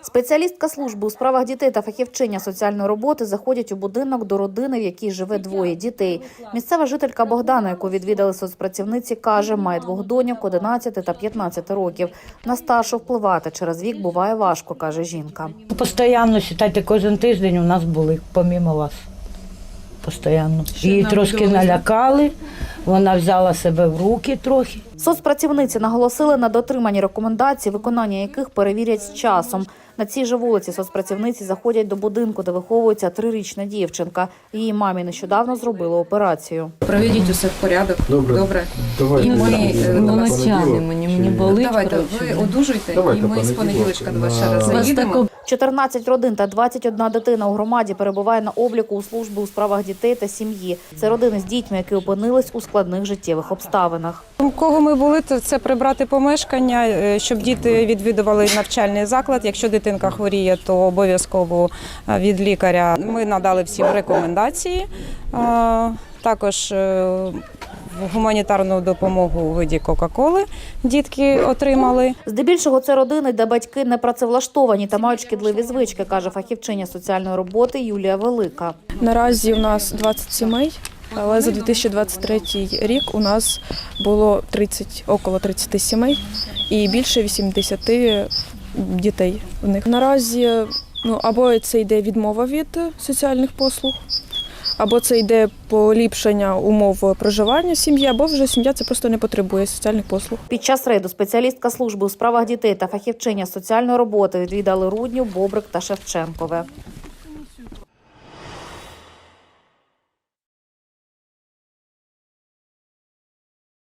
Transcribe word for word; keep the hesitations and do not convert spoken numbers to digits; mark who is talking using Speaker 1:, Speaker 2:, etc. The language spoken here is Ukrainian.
Speaker 1: Спеціалістка служби у справах дітей та фахівчиня соціальної роботи заходять у будинок до родини, в якій живе двоє дітей. Місцева жителька Богдана, яку відвідали соцпрацівниці, каже, має двох доньок одинадцять та п'ятнадцять років. На старшу впливати через вік буває важко, каже жінка.
Speaker 2: Постійно, вважайте, кожен тиждень у нас були, помимо вас. Постійно. Її трошки налякали, вона взяла себе в руки трохи.
Speaker 1: Соцпрацівниці наголосили на дотриманні рекомендацій, виконання яких перевірять з часом. На цій же вулиці соцпрацівниці заходять до будинку, де виховується трирічна дівчинка. Її мамі нещодавно зробили операцію.
Speaker 3: Приведіть усе в порядок.
Speaker 4: Добре.
Speaker 3: Добре.
Speaker 4: Давайте.
Speaker 3: І ми
Speaker 5: Ну, ночами мені, мені болить.
Speaker 3: Давайте,
Speaker 5: коротше.
Speaker 3: ви одужуйте,
Speaker 4: Давайте,
Speaker 3: і ми з понеділочка до вас ще раз
Speaker 5: Вас
Speaker 3: заїдемо.
Speaker 5: тако-
Speaker 1: чотирнадцять родин та двадцять одна дитина у громаді перебуває на обліку у службі у справах дітей та сім'ї. Це родини з дітьми, які опинились у складних життєвих обставинах.
Speaker 6: У кого ми були, то це прибрати помешкання, е, щоб діти відвідували навчальний заклад. Якщо дитинка хворіє, то обов'язково е, від лікаря. Ми надали всім рекомендації. Е, Також е, гуманітарну допомогу у виді Кока-Коли дітки отримали.
Speaker 1: Здебільшого це родини, де батьки не працевлаштовані та мають шкідливі звички, каже фахівчиня соціальної роботи Юлія Велика.
Speaker 7: Наразі у нас двадцять сімей, але за дві тисячі двадцять третій рік у нас було тридцять, около тридцять сімей і більше вісімдесят дітей в них. Наразі ну, або це йде відмова від соціальних послуг, або це йде поліпшення умов проживання сім'ї, або вже сім'я це просто не потребує соціальних послуг.
Speaker 1: Під час рейду спеціалістка служби у справах дітей та фахівчиня соціальної роботи відвідали Рудню, Бобрик та Шевченкове.